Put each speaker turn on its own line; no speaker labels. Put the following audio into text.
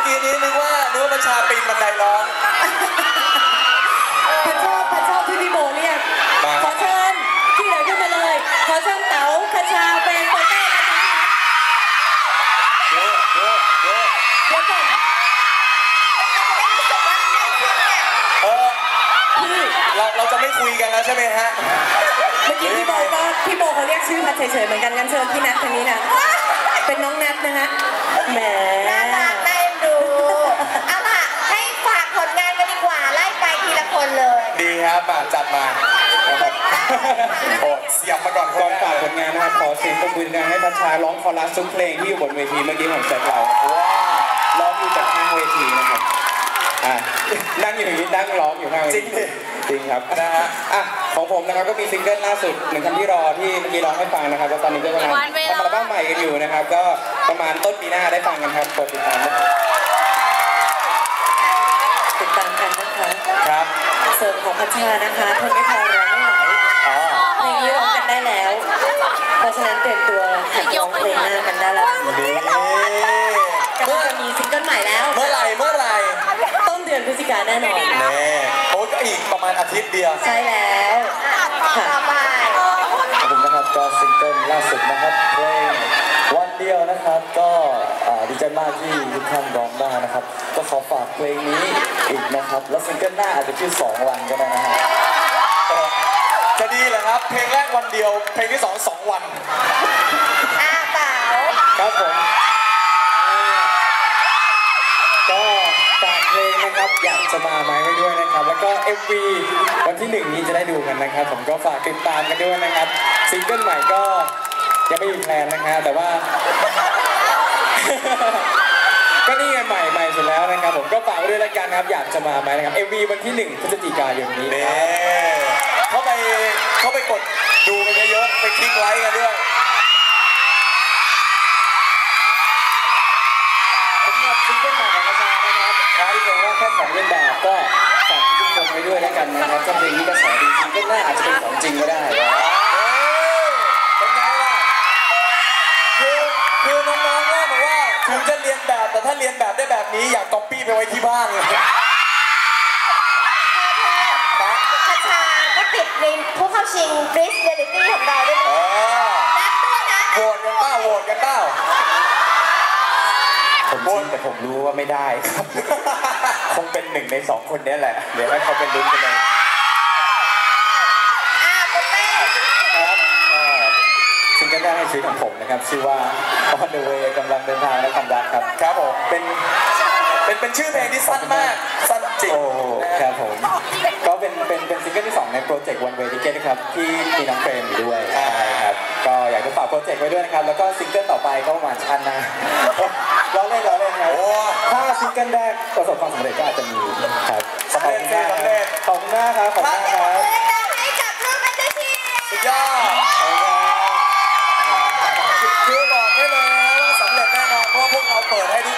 กี้นี้นึกว่าประชาปีนบันไดร้อง
พันชอบที่พี่โบเรียกขอเชิญที่เหลือขึ้นมาเลยขอเชิญเต๋าคชาเป็นโปเต้นะคะเดี๋ยวก่อน
เราจะไม่คุยกันแล้วใช่ไหมฮะ
เมื่อกี้พี่โบเขาเรียกชื่อพัดเฉยๆเหมือนกันงั้นเชิญพี่นัททางนี้นะเป็นน้องนัทนะฮะแหม
น่ารักน่าเอ็นดูเอาล่ะให้ฝากผลงานกันดีกว่าไล่ไปทีละคนเลย
ดีครับมาจัดมาโอ้เสียบมาก่อน
ฝากผลงานนะครับขอเสียงปรบมือดังให้พัชชาร้องคอรัสทุกเพลงที่อยู่บนเวทีเมื่อกี้ผมแซดเราร้องอยู่จากข้างเวทีนะครับนั่งอยู่อย่างนี้นั่งร้องอยู่ข้างเวทีจริงครับนะฮะของผมนะครับก็มีซิงเกิลล่าสุด1คำที่รอที่เมื่อกี้ร้องให้ฟังนะครับแล้วตอนนี้ก็กำลังทำอัลบั้มใหม่กันอยู่นะครับก็ประมาณต้นปีหน้าได้ฟังกันครับกดติดตามกัน
นะคะ
ครับ
เสริมของพัชชานะคะทนไม่พอร้องไม่ไหวเพลงนี้ร้องกันได้แล้วเพราะฉะนั้นเตรียมตัวหัดร้องเพลงหน้ากันได้แล้วก็จะมีซิงเกิลใหม่แล้ว
เมื่อไหร่
ต้นเดือนพฤศจิกายนแน่นอน
โอ้ก็อีกประมาณอาทิตย์เดียว
ใช่แล้ว
ผมนะครับก็ซิงเกิลล่าสุดนะครับเพลงวันเดียวนะครับก็ดีใจมากที่ทุกท่านร้องได้นะครับก็ขอฝากเพลงนี้อีกนะครับแล้วซิงเกิลหน้าอาจจะชื่อ2 วันก็ได้นะฮะ
จะดีเหรอครับเพลงแรกวันเดียวเพลงที่2 วัน
เต๋า
ครับผมก็ฝากเพลงนะครับอยากจะมาไหมไว้ด้วยนะครับแล้วก็ MV วันที่1นี้จะได้ดูกันนะครับผมก็ฝากติดตามกันด้วยนะครับซิงเกิลใหม่ก็ยังไม่มีแพลนนะครับแต่ว่าก็นี่ไงใหม่สุดแล้วนะครับผมก็ฝากไว้ด้วยแล้วกันครับอยากจะมาไหมนะครับ MV วันที่1 พฤศจิกายนนี้
เขาไปกดดูกันเยอะๆไปคลิกไลค์กันด้วย
สำหรับซิงเกิลใหม่ของประชานะครับที่เพลงว่าแค่ของเล่นแบบก็ฝากทุกคนไว้ด้วยแล้วกันนะครับถ้าเพลงนี้กระแสดีซิงเกิลหน้าอาจจะเป็นของจริงก็ได้
เป็นไงล่ะคือน้องๆว่าบอกว่าถึงจะเรียนแบบแต่ถ้าเรียนแบบได้แบบนี้อยากก๊อปปี้ไปไว้ที่บ้านเลย
พัชชาก็ติดในผู้เข้าชิงบริสเรียลิตี้ของเราด้วยนัดด้วยนะ
โหวตกันเปล่า
ผมชิงแต่ผมรู้ว่าไม่ได้ครับคงเป็น1 ใน 2 คนนี้แหละเดี๋ยวให้เขาเป็นลุ้นกันเลย
ปุ๊บเป้
ครับซิงเกิลแรกในชีวิตของผมนะครับชื่อว่า On the Way กำลังเดินทางและความรักครับ
ครับผมเป็นชื่อเพลงที่สั้นมากสั้นจริง
ครับผมก็เป็นซิงเกิลที่2ในโปรเจกต์ One Way Ticket นะครับที่มีน้องเฟรมอยู่ด้วยใช่ครับก็อยากจะฝากโปรเจกต์ไว้ด้วยนะครับแล้วก็ซิงเกิลต่อไปก็ประมาณชั้นนะล้อเล่นครับถ้าซิงเกิลแรกประสบความสำเร็จก็อาจจะมีครับขอบคุณมากครับขอบคุณมากครับ
ให้กับลูกอันเดอร์ที
สุดยอดคือบอกได้เลยนะว่าสำเร็จแน่นอนเพราะว่าพวกเราเปิดให้ทุก